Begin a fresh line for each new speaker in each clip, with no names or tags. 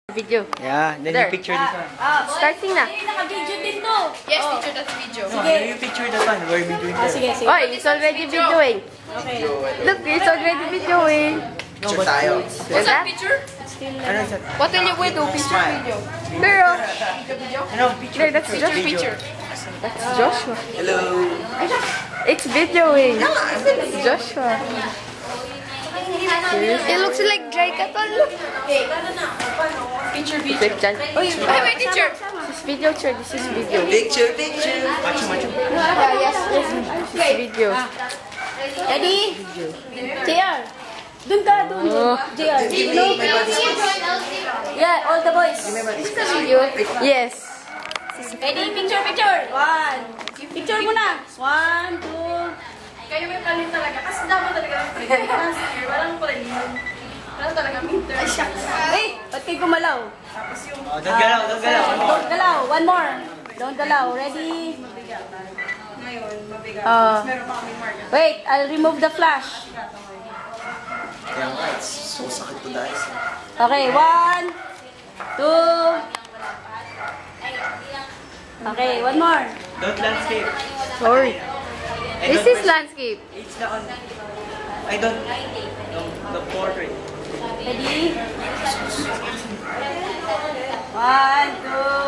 Video.
Yeah, then
There.
you picture this one.
Starting na.
Naka-video din to.
Yes, picture that video.
No, then you picture that one where we doing that.
Sige, sige.
Oy, it's already videoing.
Okay.
Look, it's already videoing.
No, but tayo.
What's that picture?
Ano is that?
What will you do? Picture video.
Pero,
Ano, picture.
there, that's Joshua.
Picture.
That's Joshua.
Hello.
It's videoing. It's Joshua.
It looks like dry katol. Picture video.
Picture.
Wait, teacher.
This is video, sir. This is video.
Picture, picture. Macho.
Yes. This is video.
Ready? JR. Dun ka, dun. JR. No? Yeah, all the boys.
Yes.
Ready? Picture, picture. One. Picture muna. One, two.
Kayo may palit talaga. Kasi dapat talaga yung palit. Walang palit. Walang talaga meter. Ay, shucks.
Hey, ba't kayo gumalaw?
Oh, don't galaw, don't galaw.
Don't galaw. One more. Don't galaw. Ready?
Ngayon, mabigat. Meron pa kaming mark.
Wait, I'll remove the flash.
Kaya nga, so sakit to guys.
Okay, one, two. Okay, one more.
Don't landscape.
Sorry.
I
This
don't
is
press-
landscape.
It's the on. I don't. The portrait.
Ready? One, two.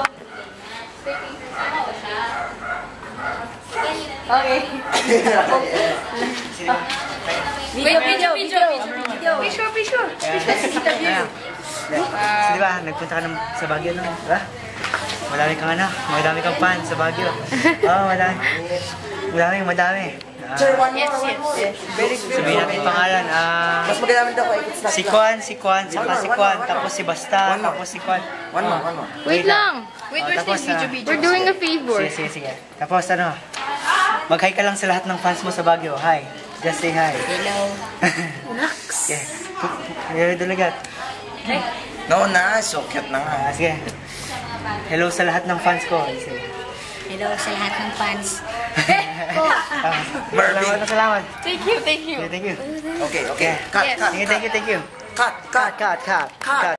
Okay. Video.
Picture.
So, di ba, nagpunta ka sa Baguio, no? Diba? Madami kang fans sa Baguio. Oo, madami.
Yes.
Sabihin natin pangalan.
Mas magagamit ako
Si Kwan, saka si Kwan, tapos si Basta, tapos si Kwan.
One more.
Wait lang.
Wait,
Oh,
where's
tapos,
this video?
We're doing a favor.
Sige. Tapos mag-hi ka lang sa lahat ng fans mo sa Baguio. Hi. Just say hi.
Hello.
Okay. Hello, Dalagat.
No na, so cute na nga.
Sige. Hello sa lahat ng fans ko. Sige.
Hello sa lahat ng fans.
Salamat.
Thank you.
Thank you.
Okay. Cut.
Sige, thank you.
Cut.
Cut.